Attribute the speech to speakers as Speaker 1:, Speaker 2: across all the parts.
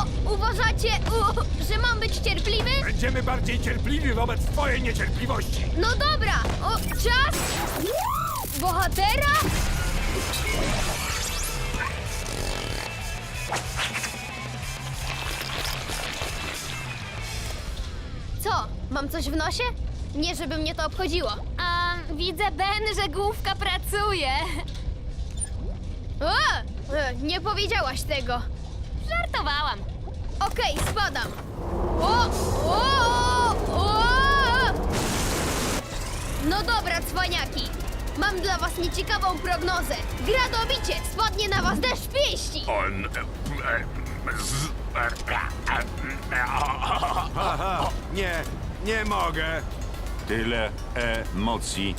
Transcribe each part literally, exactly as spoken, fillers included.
Speaker 1: O, uważacie, u, że mam być cierpliwy?
Speaker 2: Będziemy bardziej cierpliwi wobec twojej niecierpliwości.
Speaker 1: No dobra, o, czas bohatera? Co, mam coś w nosie? Nie, żeby mnie to obchodziło.
Speaker 3: A widzę, Ben, że główka pracuje.
Speaker 1: O, e, nie powiedziałaś tego.
Speaker 3: Żartowałam.
Speaker 1: Okej, spadam. O, o, o! No dobra, cwaniaki. Mam dla was nieciekawą prognozę. Gra dobicie, spadnie na was deszcz pięści.
Speaker 2: On... Aha, nie, nie mogę.
Speaker 4: Tyle emocji.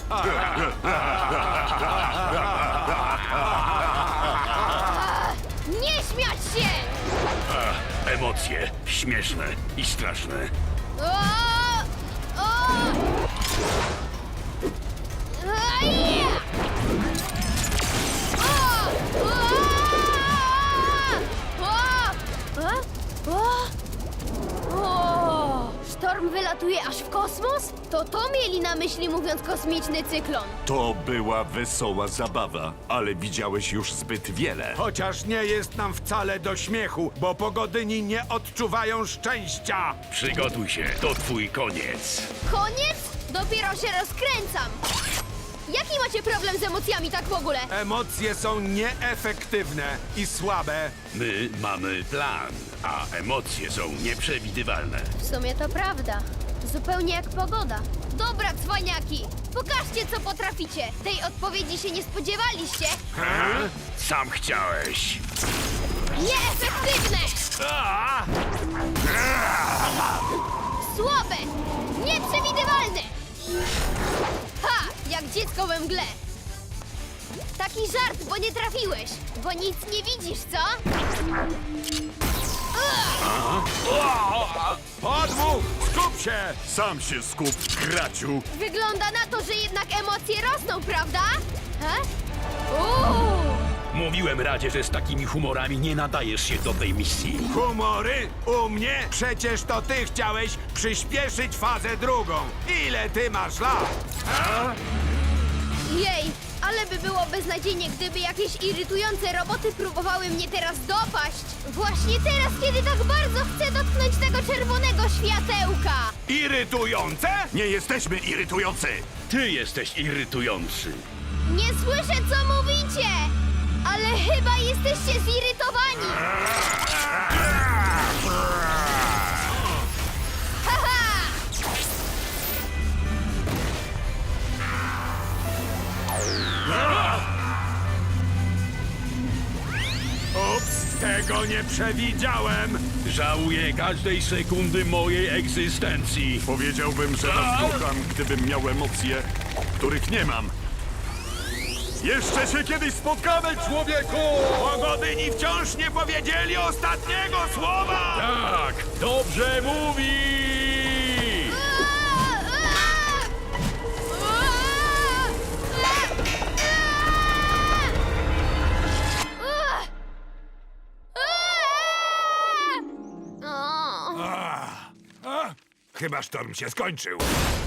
Speaker 1: Nie śmiać się!
Speaker 5: Emocje śmieszne i straszne.
Speaker 1: O, o! Aja! O, o! O, o! O! Sztorm wylatuje aż w kosmos? To to mieli na myśli, mówiąc kosmiczny cyklon.
Speaker 4: To była wesoła zabawa, ale widziałeś już zbyt wiele.
Speaker 2: Chociaż nie jest nam wcale do śmiechu, bo pogodyni nie odczuwają szczęścia.
Speaker 5: Przygotuj się, to twój koniec.
Speaker 1: Koniec? Dopiero się rozkręcam. Jaki macie problem z emocjami tak w ogóle?
Speaker 2: Emocje są nieefektywne i słabe.
Speaker 5: My mamy plan, a emocje są nieprzewidywalne.
Speaker 1: W sumie to prawda. Zupełnie jak pogoda. Dobra, cwaniaki! Pokażcie, co potraficie. Tej odpowiedzi się nie spodziewaliście.
Speaker 5: Hmm? Sam chciałeś.
Speaker 1: Nieefektywne! Słabe! Nieprzewidywalne! Ha! Jak dziecko we mgle. Taki żart, bo nie trafiłeś. Bo nic nie widzisz, co?
Speaker 2: Podmuch, skup się!
Speaker 4: Sam się skup, graciu.
Speaker 1: Wygląda na to, że jednak emocje rosną, prawda? He? Uuu!
Speaker 5: Mówiłem Radzie, że z takimi humorami nie nadajesz się do tej misji.
Speaker 2: Humory? U mnie? Przecież to ty chciałeś przyspieszyć fazę drugą. Ile ty masz lat?
Speaker 1: Jej, ale by było beznadziejnie, gdyby jakieś irytujące roboty próbowały mnie teraz dopaść. Właśnie teraz, kiedy tak bardzo chcę dotknąć tego czerwonego światełka.
Speaker 2: Irytujące?
Speaker 4: Nie jesteśmy irytujący.
Speaker 5: Ty jesteś irytujący.
Speaker 1: Nie słyszę, co mówicie, ale chyba jesteście zirytowani. Haha!
Speaker 2: Ups, tego nie przewidziałem.
Speaker 5: Żałuję każdej sekundy mojej egzystencji.
Speaker 4: Powiedziałbym, że was kocham, gdybym miał emocje, których nie mam. Jeszcze się kiedyś spotkamy, człowieku!
Speaker 2: Pogodyni wciąż nie powiedzieli ostatniego słowa!
Speaker 5: Tak, dobrze mówi!
Speaker 1: O!
Speaker 2: A, chyba sztorm się skończył.